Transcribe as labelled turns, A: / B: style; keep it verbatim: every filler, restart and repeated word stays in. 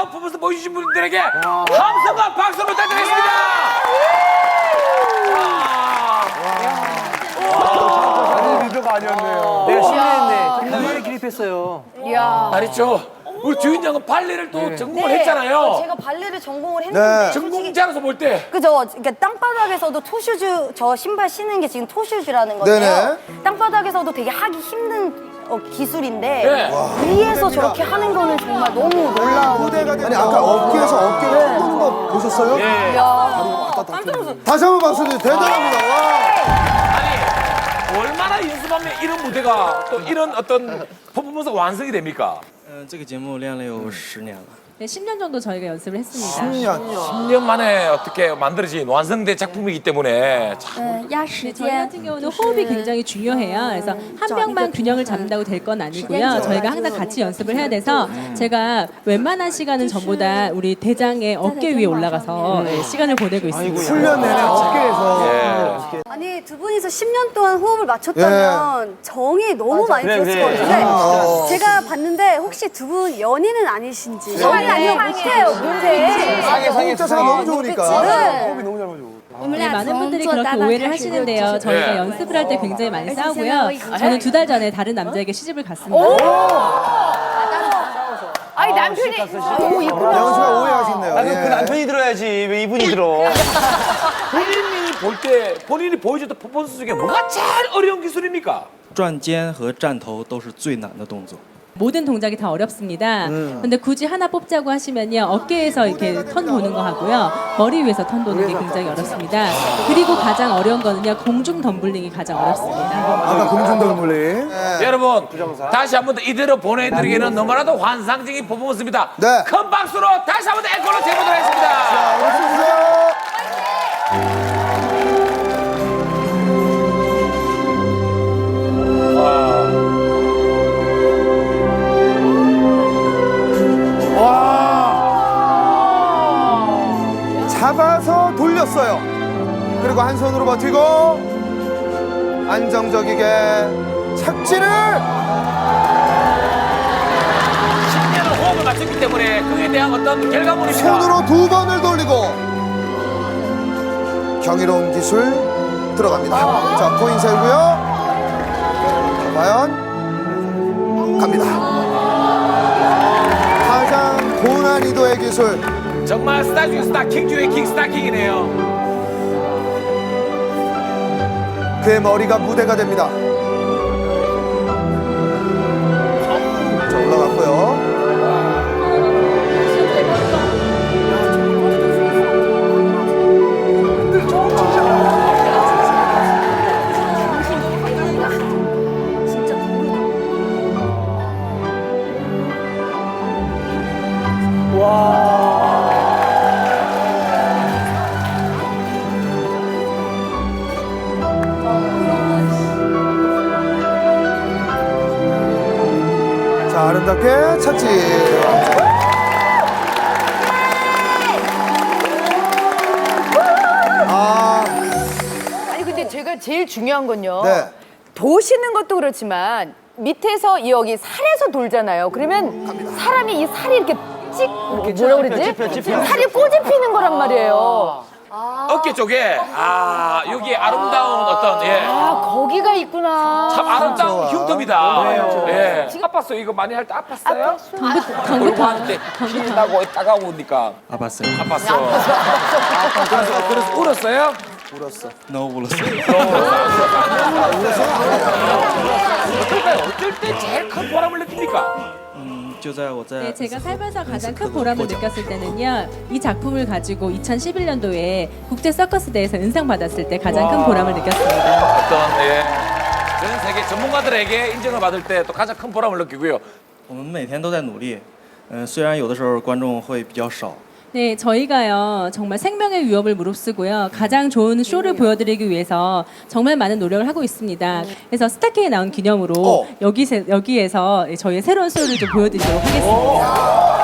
A: 아름다운 퍼포먼스 보여주신 분들에게 함성과 박수를 부탁드리겠습니다.
B: 아니 리더가 아니었네요.
C: 내가 실례했네. 정말 기립했어요.
D: 이야.
A: 말했죠. 우리 주인 양은 발레를 또 전공을
D: 네.
A: 했잖아요.
D: 제가 발레를 전공을 했는데
B: 네.
A: 전공자로서 볼 때.
D: 그죠? 그러니까 땅바닥에서도 토슈즈, 저 신발 신는 게 지금 토슈즈라는 건데요.
B: 네네.
D: 땅바닥에서도 되게 하기 힘든 어, 기술인데
A: 네.
D: 위에서 저렇게 하는 거는 정말 너무 놀라워.
B: 무대가 아니 아까 어깨에서 어깨를 네. 보는 거 보셨어요?
D: 이야. 깜짝 놀랐어.
B: 다시 한번 박수 주세요. 대단합니다. 와.
A: 아니 얼마나 연습하면 이런 무대가 또 이런 어떤 퍼포먼스가 완성이 됩니까?
E: 嗯，这个节目练了有十年了。
F: 네, 십 년 정도 저희가 연습을 했습니다.
B: 십 년.
A: 십 년 만에 어떻게 만들어진 완성된 작품이기 때문에 참
F: 네, 저희 같은 경우는 호흡이 굉장히 중요해요. 그래서 한 명만 균형을 잡는다고 될 건 아니고요. 저희가 항상 같이 연습을 해야 돼서 제가 웬만한 시간은 전보다 우리 대장의 어깨 위에 올라가서 네, 시간을 보내고 있습니다.
B: 훈련 내내 어깨에서.
A: 예.
D: 아니 두 분이서 십 년 동안 호흡을 맞췄다면 정이 너무 많이 들었을 것 같은데
B: 어.
D: 제가 봤는데 혹시 두 분 연인은 아니신지 연인 아니면 못해요 못해.
B: 호흡 자세가 너무 좋으니까.
D: 네.
B: 호흡이 너무 잘 맞아.
F: 네, 많은 분들이 그렇게 오해를 하시는데요. 저희가
A: 네.
F: 연습을 할 때 굉장히 많이 싸우고요. 저는 두 달 전에 다른 남자에게 시집을 갔습니다.
D: 아니 남편이 너무 있구나.
B: 영은 씨가 오해하셨네요.
C: 아니,
B: 예.
C: 그 남편이 들어야지. 왜 이분이 들어?
A: 본인이 볼 때 본인이 보여줬던 퍼포먼스 중에 뭐가 제일 어려운 기술입니까?
E: 转肩和站头都是最难的动作。
F: 모든 동작이 다 어렵습니다. 근데 굳이 하나 뽑자고 하시면요. 어깨에서 이렇게 턴 도는 거 하고요. 머리 위에서 턴 도는 게 굉장히 어렵습니다. 그리고 가장 어려운 거는요. 공중 덤블링이 가장 어렵습니다.
B: 아까 금중덩물리.
A: 여러분 다시 한 번 더 이대로 보내드리기는 너무나도 환상적인 퍼포먼스입니다.
B: 네.
A: 큰 박수로 다시 한 번 더 앵콜로 재보도록 하겠습니다.
B: 박수 주세요. 와. 잡아서 돌렸어요. 그리고 한 손으로 버티고 안정적이게 착지를.
A: 십 년을 호흡을 맞췄기 때문에 그에 대한 어떤 결과물입니다.
B: 손으로 두 번을 돌리고 경이로운 기술 들어갑니다. 자, 코인 세우고요. 자, 과연 갑니다. 가장 고난이도의 기술.
A: 정말 스타 중에 스타, 킹 중에 킹, 스타킹이네요.
B: 그의 머리가 무대가 됩니다. 자, 올라갔고요. 자, 아름답게 착지. 아,
G: 아니 근데 제가 제일 중요한 건요.
B: 네.
G: 도시는 것도 그렇지만 밑에서 여기 살에서 돌잖아요. 그러면 사람이 이 살이 이렇게 찍 뭐라 그러지? 살이 꼬집히는 거란 말이에요.
A: 어깨 쪽에 아 여기 아름다운 어떤 예.
G: 아 거기가 있구나.
A: 참 아름다운 흉터입니다. 예. 아팠어요. 이거 많이 할 때 아팠어요?
F: 경부터
A: 할 때 힘이 나고 따가우니까
E: 아팠어요.
A: 아팠어. 그래서, 그래서 울었어요?
B: 울었어.
E: 너무 울었어요.
A: 어떨까요? 어떨 때 제일 큰 보람을 느낍니까?
E: 嗯，就在我在
F: 네, 제가 살면서 가장 큰 보람을 느꼈을 때는요. 이 작품을 가지고 이천십일 년도에 국제 서커스 대회에서 은상 받았을 때 가장 큰 보람을 느꼈습니다.
A: 어떤 예. 전 세계 전문가들에게 인정을 받을 때 또 가장 큰 보람을 느끼고요.
E: 我们每天都在努力。嗯，虽然有的时候观众会比较少。
F: 네, 저희가요 정말 생명의 위협을 무릅쓰고요 가장 좋은 쇼를 보여드리기 위해서 정말 많은 노력을 하고 있습니다. 그래서 스타킹에 나온 기념으로
B: 어.
F: 여기 여기에서 저희의 새로운 쇼를 좀 보여드리도록 하겠습니다.